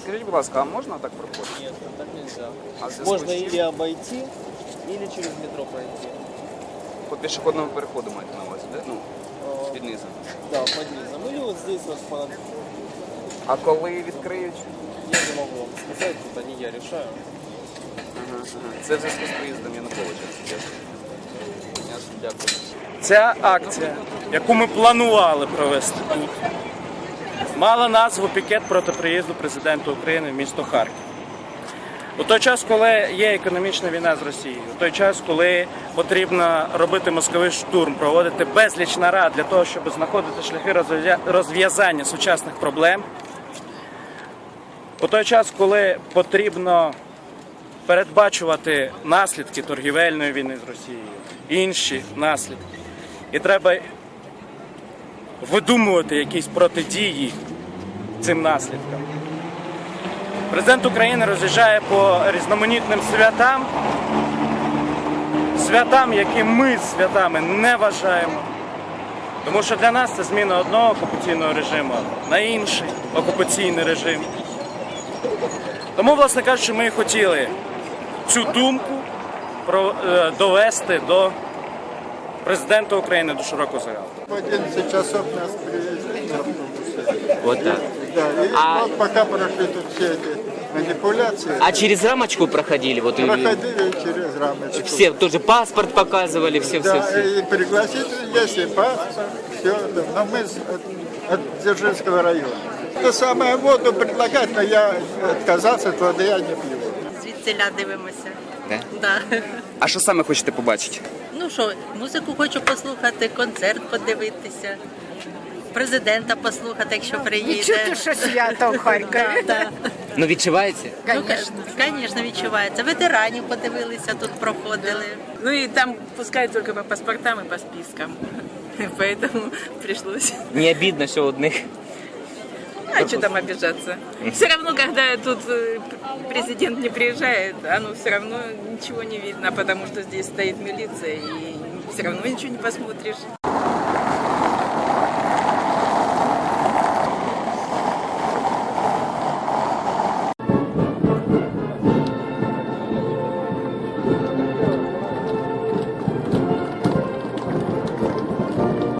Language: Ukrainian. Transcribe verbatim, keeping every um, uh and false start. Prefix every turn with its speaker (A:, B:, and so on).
A: Скажіть, будь ласка, а можна так проходити?
B: Нет, так нельзя.
A: А в зв'язку
B: Можно
A: з чим?
B: или обойти, или через метро пройти.
A: По пішохідному переходу маєте на увазі, де? Ну,
B: А,
A: під низом.
B: Да, под низом. Или вот здесь вот под...
A: А коли відкриють?
B: Я не могу вам сказать, это не я решаю.
A: Ага, ага. Це в зв'язку з приїздом Януковича. Ясно. Ясно, дякую.
C: Ця акція, яку ми планували провести тут, мала назву «Пікет проти приїзду президента України в місто Харків». У той час, коли є економічна війна з Росією, у той час, коли потрібно робити мозковий штурм, проводити безліч нарад для того, щоб знаходити шляхи розв'язання сучасних проблем, у той час, коли потрібно передбачувати наслідки торгівельної війни з Росією, інші наслідки, і треба видумувати якісь протидії цим наслідкам. Президент України роз'їжджає по різноманітним святам, святам, які ми святами не вважаємо. Тому що для нас це зміна одного окупаційного режиму на інший окупаційний режим. Тому, власне кажучи, ми і хотіли цю думку довести до президента України, до широкого загалу.
D: В одиннадцать часов нас привезли на автобусе.
E: Вот так.
D: Да, и
E: А-
D: вот пока прошли тут все эти манипуляции,
E: А через рамочку проходили? Вот и-
D: проходили через рамочку.
E: все тоже паспорт показывали, все,
D: Да,
E: все, все.
D: и пригласительный есть, и паспорт, все. Но мы с- от, от Дзержинского района. То самое воду предлагать, но я отказался, от воды я не пью.
F: Звідсиля дивимося.
A: Да?
F: Да.
A: А що саме хочете побачити?
F: Ну що, музику хочу послухати, концерт подивитися, президента послухати, якщо приїде.
G: Чути, що свято в Харкові.
F: Да, да.
E: Ну відчуваєте?
F: Ну, звісно, відчувається. Ветеранів подивилися, тут проходили.
H: Ну и там пускай только по паспортам и по спискам. Поэтому пришлось.
E: Не обидно, що одних.
H: А что там обижаться? Все равно, когда тут э, президент не приезжает, оно все равно ничего не видно, потому что здесь стоит милиция, и все равно ничего не посмотришь.